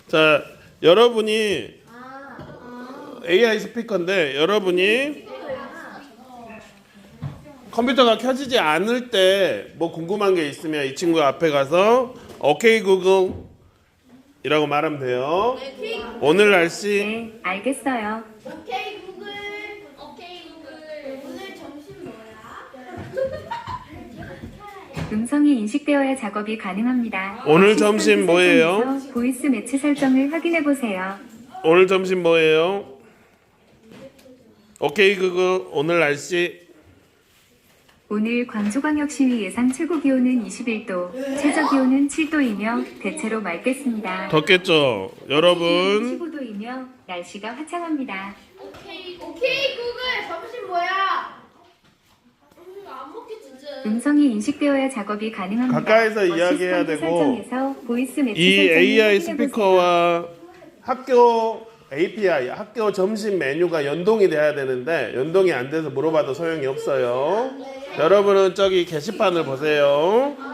자, 여러분이 AI 스피커인데 여러분이 컴퓨터가 켜지지 않을 때 뭐 궁금한 게 있으면 이 친구 앞에 가서 오케이 구글 이라고 말하면 돼요. 오늘 날씨 네, 알겠어요. 오케이 구글. 오케이 구글. 오늘 점심 뭐야? 음성이 인식되어야 작업이 가능합니다. 오늘 시스템 점심 뭐예요? 설정에서 보이스 매치 설정을 확인해 보세요. 오늘 점심 뭐예요? 오케이 구글 오늘 날씨 오늘 광주광역시위 예상 최고 기온은 21도, 최저 기온은 7도이며 대체로 맑겠습니다. 덥겠죠? 여러분 15도이며 날씨가 화창합니다. 오케이 구글. 점심 뭐야? 안 먹겠지 이제. 음성이 인식되어야 작업이 가능합니다. 가까이서 이야기해야 시스템 되고 설정에서 보이스 매치 이 설정을 AI 확인해 보세요. 스피커와 학교 API, 학교 점심 메뉴가 연동이 돼야 되는데 연동이 안 돼서 물어봐도 소용이 없어요. 여러분은 저기 게시판을 보세요.